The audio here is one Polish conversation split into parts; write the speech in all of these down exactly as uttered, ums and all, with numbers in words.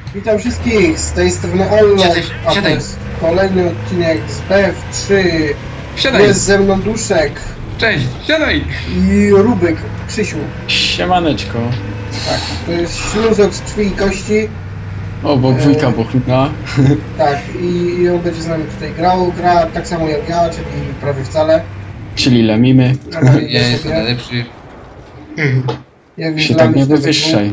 Witam wszystkich, z tej strony Olno, Siadaj, a to siadaj. jest kolejny odcinek z B F trzy. Siadaj! Jest ze mną Duszek Cześć! Siadaj! i Rubek, Krzysiu. Siemaneczko. Tak, to jest śluzok z krwi i kości. Obok wujka Bochnika. Tak, i, i on będzie z nami tutaj grał. Gra tak samo jak ja, czyli prawie wcale. Czyli lemimy. Normalnie Ja jestem sobie. najlepszy. Jak Się dla tak mnie nie to wywyższaj.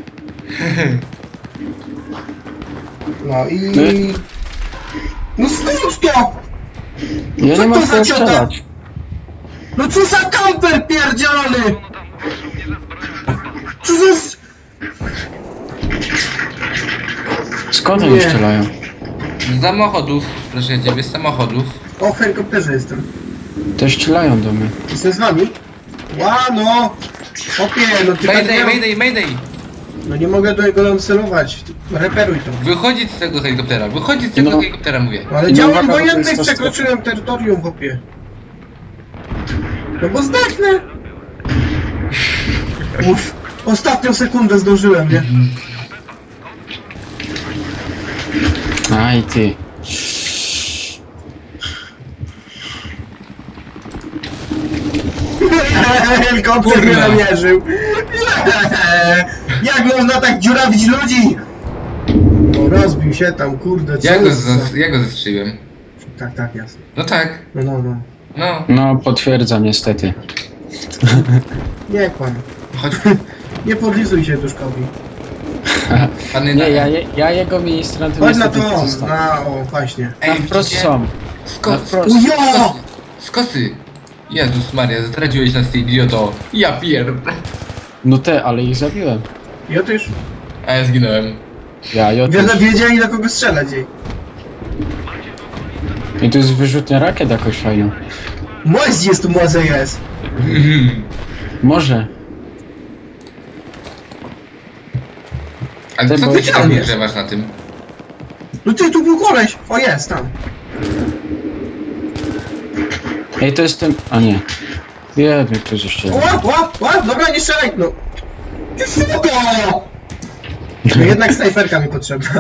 No i... My? No skróć to! Ja Co nie to mam za co ciota? strzelać. No co za kamper pierdzielony! Co za... s- Skąd Nie. oni strzelają? Z samochodów, proszę ciebie, z samochodów. O, w helikopterze jestem. To strzelają do mnie. Jestem z wami? Ła, no! Opie, no ty tak Mayday, nie... mayday, mayday! No nie mogę do niego celować. Reperuj to. Wychodzić z tego helikoptera, wychodzić z tego No. helikoptera, mówię. Ale No działam uwaga, bo to wojennych jest ta przekroczyłem terytorium, chłopie. No bo zdechnę! Uff, ostatnią sekundę zdążyłem, nie? Aj ty. Helikopter mnie Kurna. namierzył. Jak można tak dziurawić ludzi? No rozbił się tam, kurde, co Ja go, jest za- zas- ja go zastrzeliłem. Tak, tak, jasne. No tak, No, no, no. no. No potwierdzam niestety. Nie kłam. Chodź, Nie podlizuj się Duszkowi. pany Nie, na... ja, je- ja jego ministrantem Chodź na niestety to, zostawię. na, o, właśnie. Ej, Na wprost widzicie? są. Sko- Na wprost. skosy, Ujo! skosy, skosy! Jezus Maria, zdradziłeś nas, ty idioto. Ja pierd... No te, ale ich zabiłem. Ja też. A ja zginąłem. Ja, ja Wiele też. wiedzieli na kogo strzelać jej. I tu jest wyrzutnia rakiet jakoś fajną. Moźdź jest tu może jest. Może. Ale Ty, co bo ty się tam chciałem. grzewasz na tym? No ty, tu był koleś. O, jest, tam. Ej, to jest ten... A nie. Wiem, ktoś jeszcze. Łap, łap, łap, dobra, nie strzelaj, no. Ty suko! No jednak snajperka mi potrzebna.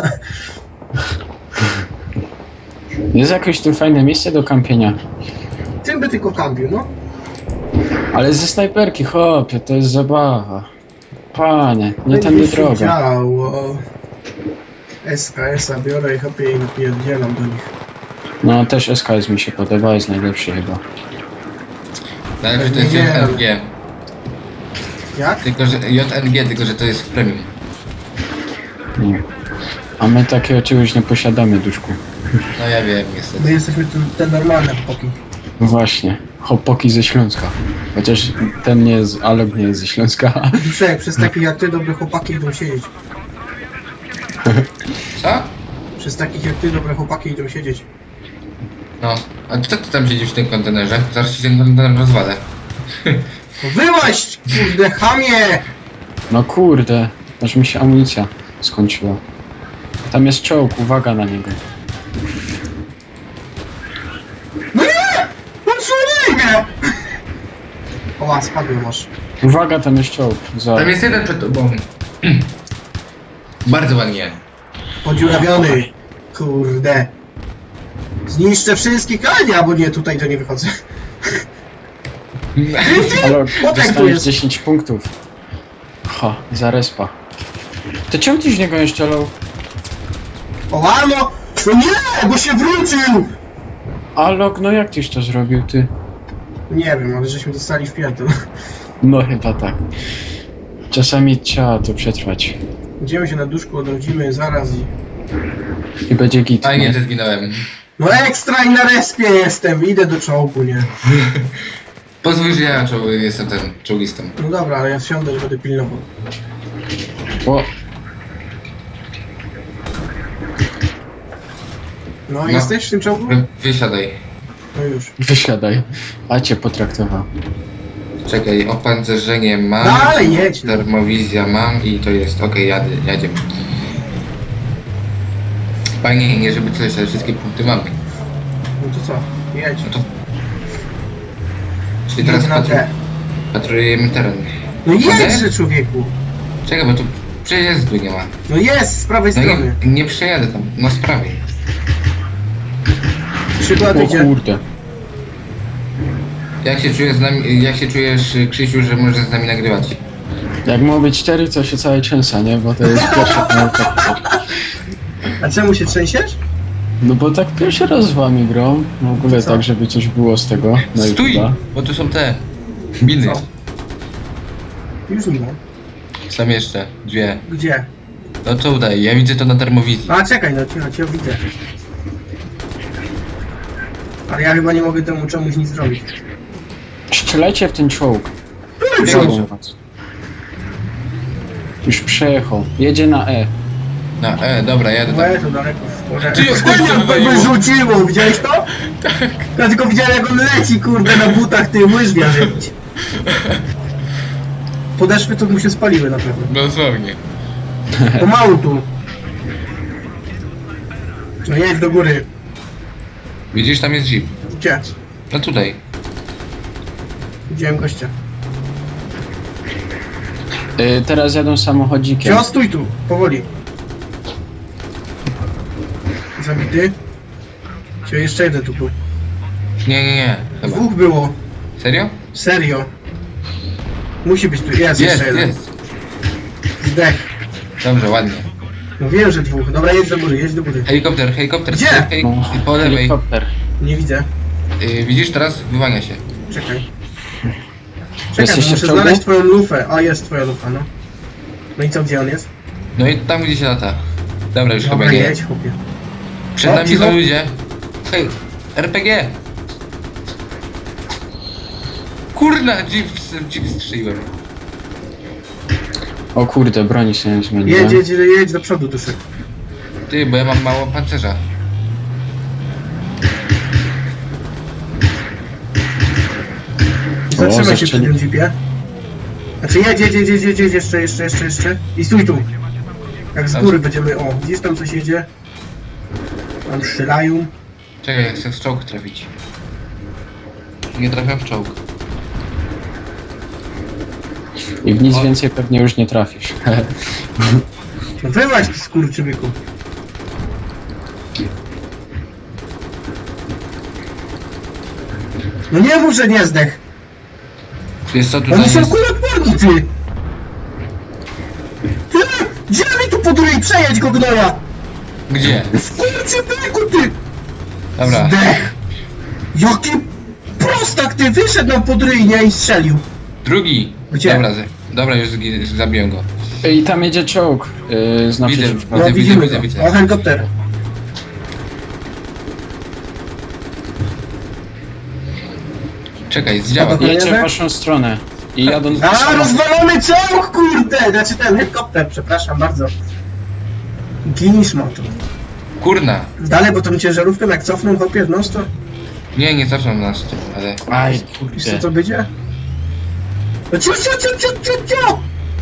Jest jakieś tu fajne miejsce do kampienia. Tym by tylko kampił, no. Ale ze snajperki, chłopie, to jest zabawa. Panie, nie tędy Będzie się droga. działo. S K S-a biorę i chopie i napierdzielam do nich. No też S K S mi się podoba, jest najlepszy chyba. Najlepsze to jest Nie. J N G. Jak? Tylko, że J N G, tylko, że to jest w premium. Nie. A my takiego czegoś nie posiadamy, duszku. No ja wiem, My niestety. jesteśmy te, te normalne chłopaki. No właśnie, hopoki ze Śląska. Chociaż ten nie jest, Alok nie jest ze Śląska. Duszek, przez takich jak ty dobre chłopaki idą siedzieć. Co? Przez takich jak ty dobre chłopaki idą siedzieć. No. A co ty tam siedzisz w tym kontenerze? Zaraz ci ten kontener rozwalę. No wyłaź, kurde, chamie! No kurde, aż mi się amunicja skończyła. Tam jest czołg, uwaga na niego. No nie! Odsłonij mnie! Oła, spadłem masz. Uwaga, tam jest czołg. Za... Tam jest jeden przed tobą. Bardzo ładnie. Podziurawiony. Kurde. Zniszczę wszystkich, ale nie, albo nie, tutaj to nie wychodzę. Alok, Potek tu dostaniesz jest. dziesięć punktów. Ha, za respa. To czemu ty z niego nie strzelał? Oła, no! No nie, bo się wrócił! Alok, no jak tyś to zrobił, ty? Nie wiem, ale żeśmy dostali w pierdol. No chyba tak. Czasami trzeba to przetrwać. Idziemy się na duszku, odrodzimy zaraz i... I będzie git. Fajnie, no. że zginąłem. No ekstra i na respie jestem, idę do czołgu, nie? Pozwól, że ja czoł- jestem ten czołgistą. No dobra, ale ja wsiądę i będę pilnował. O, No, No. jesteś w tym czołgu? Wy- Wysiadaj. No już. wysiadaj. A cię potraktował. Czekaj, opancerzenie mam. Dalej jedź, no. Termowizja mam i to jest okej, jadę, jadziemy. Fajnie, nie żeby coś, ale wszystkie punkty mamy. No to co? Jedź. No to... Czyli teraz Jedź na patru... te. patrujemy teren. No Mogę? jedźże, człowieku! Czekaj, bo tu Przejazdu nie ma. No jest, z prawej No strony. nie, nie przejadę tam, no z prawej. Przykład O idzie. kurde. Jak się czujesz z nami, jak się czujesz, Krzysiu, że możesz z nami nagrywać? Jak ma być cztery, to się całe trzęsa, nie? Bo to jest pierwsza pomyłka. A czemu się trzęsiesz? No bo tak pierwszy raz z wami grą. W ogóle Co? tak, żeby coś było z tego. na Stój! YouTube'a. Bo tu są te miny. Co? Już nie ma. Są jeszcze dwie. Gdzie? No co udaje? Ja widzę to na termowizji. A czekaj, no cicho, cię widzę. Ale ja chyba nie mogę temu czemuś nic zrobić. Strzelajcie w ten czołg. Który Biegł. czołg? Już przejechał. Jedzie na E. Na E, dobra, jadę tam. Łe, to daleko. Może... Ty, jak Kurde, to jak wywaliło? by rzuciło, widziałeś to? Tak. Ja tylko widziałem jak on leci, kurde, na butach, ty łyżwia żyć. Podeszwy to mu się spaliły na pewno. No dosłownie. Pomału tu. No jedź do góry. Widzisz, tam jest jeep. Gdzie? No tutaj. Widziałem gościa. Y, teraz jadą samochodzikiem. Cio, stój tu, powoli. Zabity. Cio, jeszcze jeden tu był. Nie, nie, nie. Chyba. Dwóch było. Serio? Serio. Musi być tu. Jest, Jest, jeszcze jeden. jest. Zdech. Dobrze, ładnie. No wiem, że dwóch. Dobra, jedź do góry, jedź do góry. Helikopter, helikopter. Gdzie? Hej, No, po lewej. helikopter. Nie widzę. Y, widzisz, teraz wyłania się. Czekaj. Czekaj, Jesteście bo w muszę czołgu? znaleźć twoją lufę. A, jest twoja lufa, no. No i co, gdzie on jest? No i tam gdzie się lata. Dobra, już Dobra, chyba nie. jedź, chłopie. Przed O, nami cicho. są ludzie. Hej, R P G! Kurna, jeep, jeep strzeliłem. O kurde, broni się nie zmieniła. Jedź, jedź, jedź do przodu, duszek. Ty, bo ja mam mało pancerza. Zatrzymaj się przy zastrzeli- tym jeepie. Znaczy jedź, jedź, jedź, jedź, jedź, jedź, jeszcze, jeszcze, jeszcze, jeszcze. I stój tu. Jak z góry będziemy, o, gdzieś tam coś jedzie. Tam strzelają. Czekaj, jak chcę w czołg trafić. Nie trafiam w czołg. I w nic O. więcej pewnie już nie trafisz. No wyłaź, ty skurczybyku. No nie mów, że nie zdech. Wiesz co, tutaj Oni są jest... kuloodporni, ty! Ty! Gdzie mi tu podrój? Przejedź go, gnoja! Gdzie? Skurczybyku, ty! Dobra. Zdech! Jaki prostak, ty! Wyszedł nam podryjnie i strzelił. Drugi. Gdzie? Dobra, z- dobra, już zgi- zabiłem go. I tam jedzie czołg. Yy, z Widzę, naprzeciwka. No widzę, widzimy widzę, go. widzę. O, helikopter. Czekaj, zdziała. Dobra. Jedzie w waszą stronę. I jadą... A, rozwalony czołg, kurde! Znaczy ten helikopter, przepraszam bardzo. Ginisz motor. Kurna. Dalej, bo tą ciężarówkę jak cofną, hopie, no to... Nie, nie cofną nas tu, ale... Aj, Wiesz co kurde. to będzie? No cio, cio, cio, cio, cio, cio!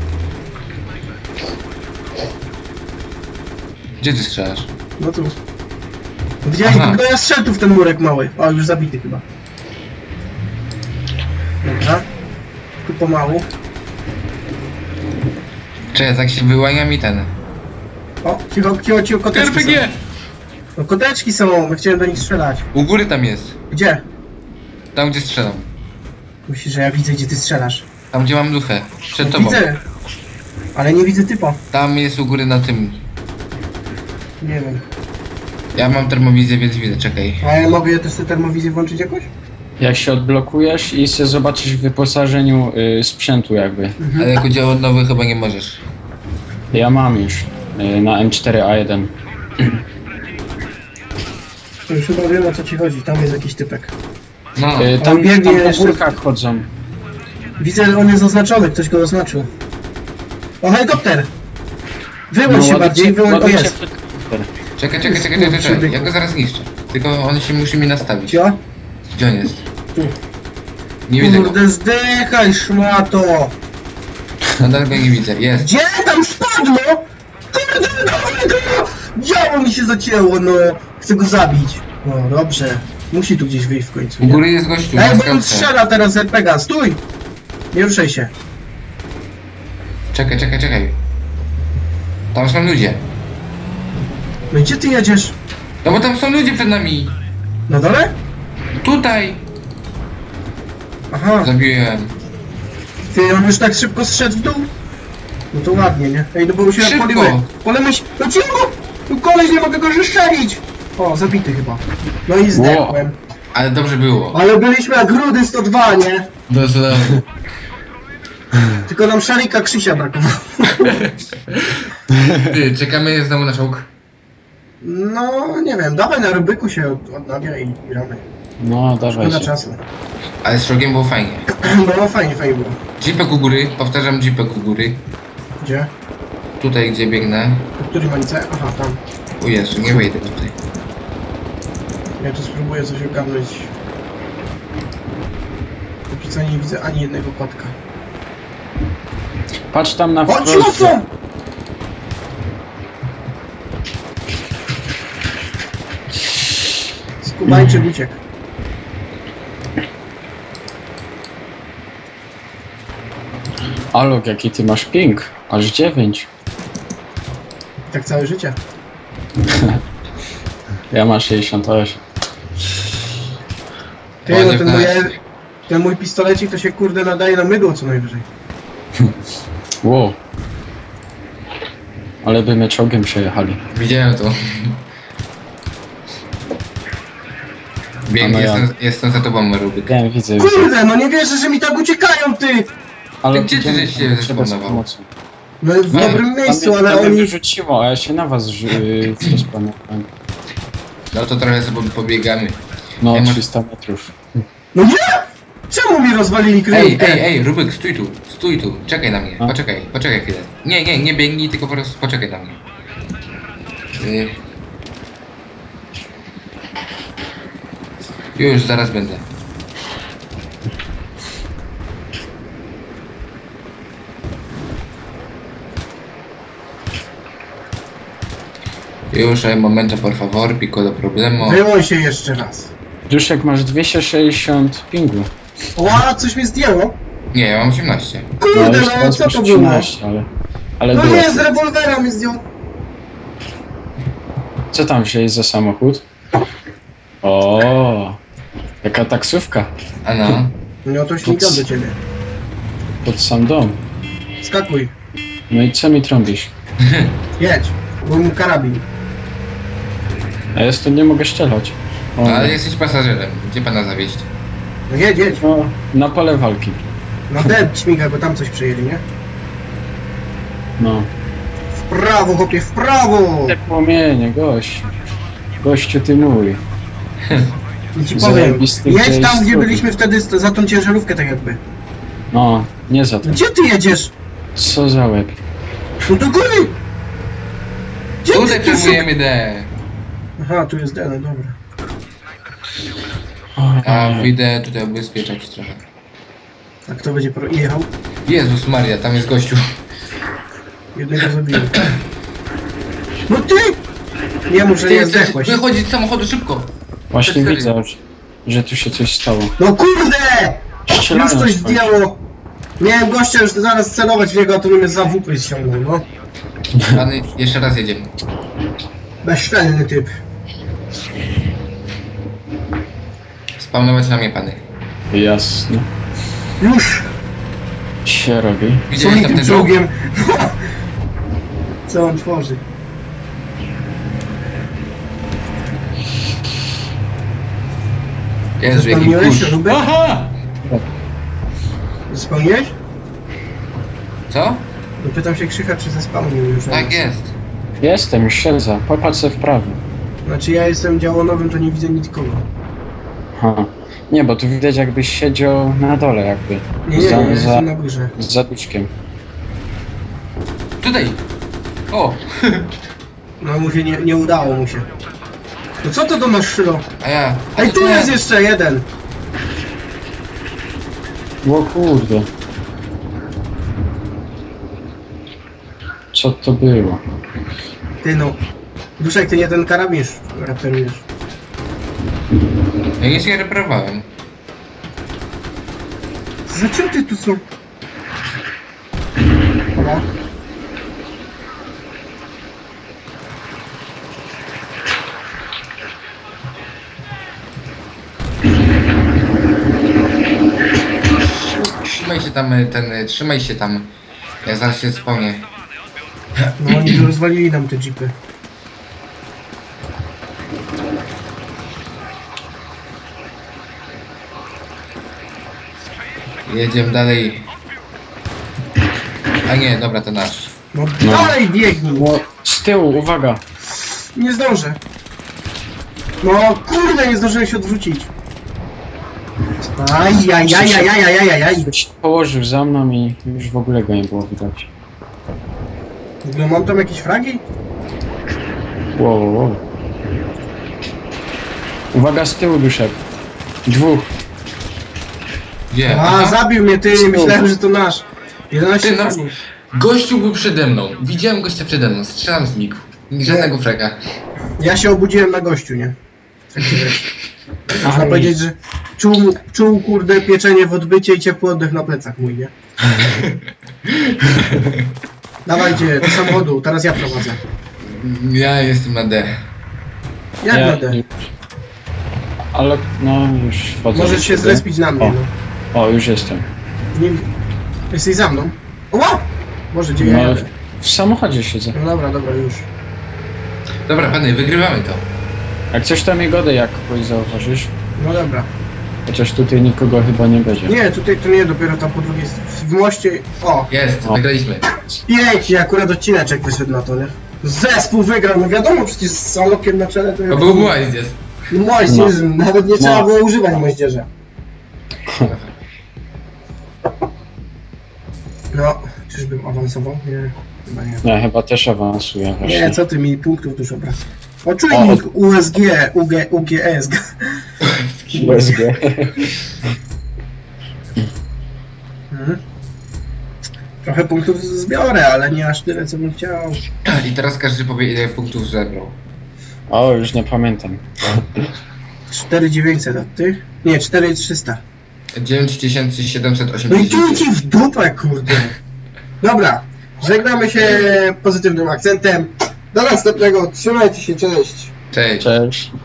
Gdzie ty strzelasz? No tu. Widziałeś, Aha. no ja strzelił tu w ten murek mały. O, już zabity chyba. Dobra. Tu pomału. Czekaj, tak się wyłania mi ten. O, cicho, cicho, cicho, koteczki R P G! są. No koteczki są, my chciałem do nich strzelać. U góry tam jest. Gdzie? Tam gdzie strzelam. Myślisz, że ja widzę, gdzie ty strzelasz. Tam gdzie mam lufę. Przed No, tobą. widzę. Ale nie widzę typa. Tam jest u góry na tym. Nie wiem. Ja mam termowizję, więc widzę, czekaj. A ja mogę też tę termowizję włączyć jakoś? Jak się odblokujesz i się zobaczysz w wyposażeniu y, sprzętu jakby. Mhm. Ale jako dział nowy chyba nie możesz. Ja mam już. Y, na M cztery A jeden. To już chyba wiem, o co ci chodzi. Tam jest jakiś typek. No, Y, tam, biegnie tam po jeszcze- górkach chodzą. Widzę, że on jest oznaczony, ktoś go oznaczył. O, helikopter! Wyłącz się ładujcie- bardziej, wyłącz... O, ładujcie jest. helikopter. czekaj, czekaj, czekaj, czekaj, czekaj. Ja go zaraz zniszczę. Tylko on się musi mi nastawić. Cio? Gdzie on jest? Tu. Nie widzę go. Kurde, zdychaj, szmato! Nadal go nie widzę. Jest. Gdzie tam spadło? Kurde, dawaj go! Działo mi się zacięło, no. Chcę go zabić. No, dobrze. Musi tu gdzieś wyjść w końcu, U nie? góry jest gościu. Ej, na bo on skałce. strzela teraz z er pe gie. Stój! Nie ruszaj się. Czekaj, czekaj, czekaj. Tam są ludzie. No i gdzie ty jedziesz? No bo tam są ludzie przed nami. Na dole? Tutaj. Aha, Zabiłem. ty on już tak szybko zszedł w dół? No to ładnie, nie? Ej, no bo się Szybko. poliły. Polemy się... No cicho! Tu koleś, nie mogę go zestrzelić! O, zabity chyba. No i zdechłem. Ale dobrze było. Ale byliśmy jak rudy sto dwa, nie? Dosłownie. Tylko nam szalika Krzysia brakowało. Ty, czekamy znowu na czołg. No, nie wiem, dawaj na rybyku się od- odnawia i gramy. No, dawaj Szkoda się. czasu. Ale z czołgiem było fajnie. No, fajnie, fajnie było. Jeepek u góry, powtarzam jeepek u góry. Gdzie? Tutaj gdzie biegnę. W którym mańce? Aha, tam. O Jezu, nie wejdę tutaj. Ja tu spróbuję coś ogarnąć. Póki co nie widzę ani jednego kotka. Patrz tam na O, wprost. ci mocno! Skubańczyk uciekł. Alok, jaki ty masz ping? Aż dziewięć. Tak całe życie. Ja mam sześćdziesiąt osiem. Ty, no ten, mój, dziewiętnaście. ten mój pistolecik to się kurde nadaje na mydło co najwyżej. Wow. Ale by my czołgiem przejechali. Widziałem to. Biegnę, A no ja. jestem, jestem za tobą, Rubik. Nie, widzę, widzę. Kurde, no nie wierzę, że mi tak uciekają, ty! Ale Gdzie ty idziemy żeś się tam, trzeba z zespawnował? pomocą. No w No, dobrym miejscu, Tam ale mnie- tam mnie oni... wyrzuciło, a ja się na was yy, zrespawmowałem. No to trochę sobie pobiegamy. No, Ej, masz- trzysta metrów. No nie! Czemu mi rozwalili Ej, kryjówkę? ej, ej, Rubik, stój tu, stój tu, czekaj na mnie, A? poczekaj, poczekaj chwilę. Nie, nie, nie biegnij, tylko po prostu poczekaj na mnie. Y... Już, zaraz będę. Już, hay momento, por favor, pico do problemu. Wyłącz się jeszcze raz. Duszek, masz dwieście sześćdziesiąt pingu. Ła, coś mi zdjęło. Nie, ja mam osiemnaście. Kurde, już no teraz co masz to było? trzynaście, ale... Ale No było. nie, z rewolwera mi zdjął. Co tam wzięli za samochód? O, jaka taksówka. A no. No to śmigam do ciebie. Pod sam dom. Skakuj. No i co mi trąbisz? Jedź. Bo mu karabin. A ja tu nie mogę strzelać. O, Ale jesteś pasażerem, gdzie pana zawieźć? No jedź, jedź. no, na pole walki. Na dep śmiga, bo tam coś przejęli, nie? No. W prawo, chłopie, w prawo! Te płomienie, gość. Gościu ty mój. I ci powiem, Zajebisty jedź gdzieś tam, gdzie skrót. byliśmy wtedy z- za tą ciężarówkę, tak jakby. No, nie za to. Gdzie ty jedziesz? Co za łeb. No do góry! Gdzie Tutaj ty, ty przejmujemy D. Aha, tu jest D, no dobra. A wyjdę tutaj ubezpieczać trochę. A kto będzie pro... jechał? Jezus Maria, tam jest gościu. Jednego zabiłem. No ty! Nie mów, że Ty nie chcesz zdechłeś. wychodzić z samochodu szybko. Właśnie Cztery. widzę, że, że tu się coś stało. No kurde! Już Strzelają coś coś. zdjęło. Miałem gościa już zaraz celować w niego, a to mnie za W P ściągnął, no. Pany, jeszcze raz jedziemy. Bezczelny typ. Spawnować na mnie, pany. Jasne. Już! Się robi. Co Widziałeś mi tam tym ten czołg? czołgiem? Co on tworzy? Jezu, jaki Spełniłeś kurz. Rubek? Aha! Spełniłeś? Co? No pytam się Krzycha, czy zespałnił już. Tak jest. Jestem, już siedzę. Popatrz se w prawo. Znaczy ja jestem działonowym, to nie widzę nikogo. Ha. Nie, bo tu widać jakbyś siedział na dole jakby. Nie, nie, za, nie, za, jestem na górze. z zaduszkiem. Tutaj! O! No mu się nie, nie udało mu się. No co to do nas szylo? A ja... A Ej, to tu to ja. jest jeszcze jeden! O kurde. Co to było? Ty no. Duszek, ty nie ten karabin reperujesz. Ja nic nie reparowałem. Za czym ty tu są? Dobra. trzymaj się tam, e, ten, e, trzymaj się tam. Ja zaraz się spełnię. No oni tu rozwalili nam te jeepy. Jedziemy dalej. A nie, dobra, to nasz. No, No. dalej biegnij! O, z tyłu, uwaga! Nie zdążę. No kurde, nie zdążyłem się odwrócić. Ajajajajajajajajaj. Położył za mną i już w ogóle go nie było widać. W ogóle mam tam jakieś fragi? Wow, wow, wow. Uwaga, z tyłu wyszedł. Dwóch. Gdzie? A, Aha. zabił mnie ty, myślałem, że to nasz. jedenaście Ty, no. fragów. Gościu był przede mną. Widziałem gościa przede mną. Strzelam z migu. Żadnego frega. Ja się obudziłem na gościu, nie? Taki wiesz. Można Aj. powiedzieć, że czuł, czuł kurde pieczenie w odbycie i ciepły oddech na plecach mój, nie? Dawajcie, do samochodu, teraz ja prowadzę. Ja jestem na D. Jak Ja- będę? Ale no już wchodzę. Możesz do się siebie. zrespić na mnie, O. no. O, już jestem. Nie... Jesteś za mną? Oła! Boże, gdzie ja No, jadę? w samochodzie siedzę. No dobra, dobra, już. Dobra, pany, wygrywamy to. Jak coś tam godę, jak kogoś zauważysz. No dobra. Chociaż tutaj nikogo chyba nie będzie. Nie, tutaj to nie, dopiero tam po drugiej s- w moście. O, Jest, O. wygraliśmy. pięknie, akurat odcineczek wyszedł na to, nie? Zespół wygrał, no wiadomo, przecież z salokiem na czele to... To był moździerz. Moździerz, nawet nie trzeba No. było używać moździerza. No, czyżbym awansował? Nie, chyba nie. Nie, chyba też awansuję właśnie. Nie, co ty mi punktów dużo brak. O, O. czujnik U S G, U G, U G S. U S G. Mhm. Trochę punktów zbiorę, ale nie aż tyle, co bym chciał. I teraz każdy powie, ile punktów zebrał. O, już nie pamiętam. cztery tysiące dziewięćset, a ty? Nie, cztery tysiące trzysta. dziewięć tysięcy siedemset No i osiemdziesiąt. tu ci w dupę, kurde. Dobra, żegnamy się pozytywnym akcentem. Do następnego, trzymajcie się, cześć. Cześć. Cześć.